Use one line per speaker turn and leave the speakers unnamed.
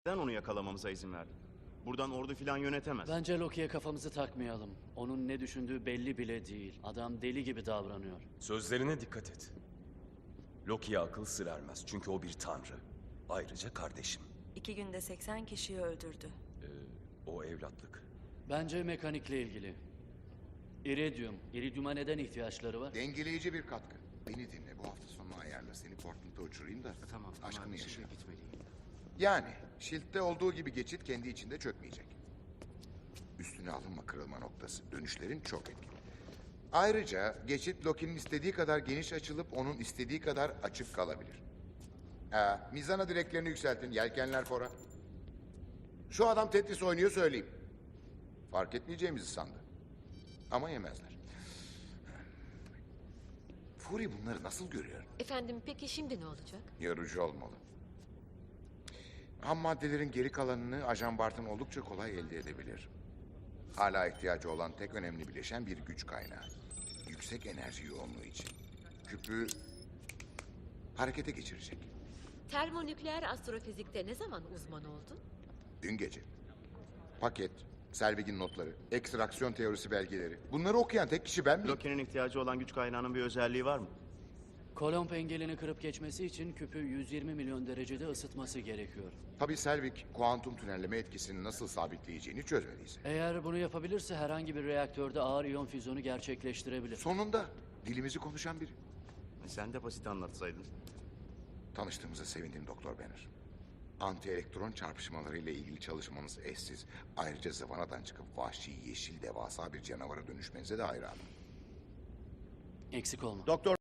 Neden onu yakalamamıza izin verdin? Buradan ordu filan yönetemez.
Bence Loki'ye kafamızı takmayalım. Onun ne düşündüğü belli bile değil. Adam deli gibi davranıyor.
Sözlerine dikkat et. Loki'ye akıl sır ermez çünkü o bir tanrı. Ayrıca kardeşim.
2 günde 80 kişiyi öldürdü.
O evlatlık.
Bence mekanikle ilgili. İridium. İridium'a neden ihtiyaçları var?
Dengeleyici bir katkı. Beni dinle, bu hafta sonu ayarla. Seni Portland'a uçurayım da
Tamam,
aşkını yaşa.
şimdi gitmeliyim.
Yani Shield'de olduğu gibi geçit kendi içinde çökmeyecek. Üstüne alınma kırılma noktası. Dönüşlerin çok etkili. Ayrıca geçit Loki'nin istediği kadar geniş açılıp onun istediği kadar açık kalabilir. Mizana direklerini yükseltin. Yelkenler fora. Şu adam Tetris oynuyor söyleyeyim. Fark etmeyeceğimizi sandı. Ama yemezler. Fury bunları nasıl görüyor?
Efendim peki şimdi ne olacak?
Yorucu olmalı. Ham maddelerin geri kalanını Ajan Bart'ın oldukça kolay elde edebilir. Hala ihtiyacı olan tek önemli bileşen bir güç kaynağı. Yüksek enerji yoğunluğu için. Küpü harekete geçirecek.
Termonükleer astrofizikte ne zaman uzman oldun?
Dün gece. Paket, Selvig'in notları, ekstraksiyon teorisi belgeleri. Bunları okuyan tek kişi ben miyim?
Loki'nin ihtiyacı olan güç kaynağının bir özelliği var mı?
Kolomb engelini kırıp geçmesi için küpü 120 milyon derecede ısıtması gerekiyor.
Tabii Selvig, kuantum tünelleme etkisini nasıl sabitleyeceğini çözmediyse.
Eğer bunu yapabilirse herhangi bir reaktörde ağır iyon füzyonu gerçekleştirebilir.
Sonunda dilimizi konuşan biri.
Sen de basit anlatsaydın.
Tanıştığımıza sevindim Doktor Banner. Anti-elektron çarpışmaları ile ilgili çalışmanız eşsiz. Ayrıca zıvanadan çıkıp vahşi, yeşil, devasa bir canavara dönüşmenize de hayranım.
Eksik olma.
Doktor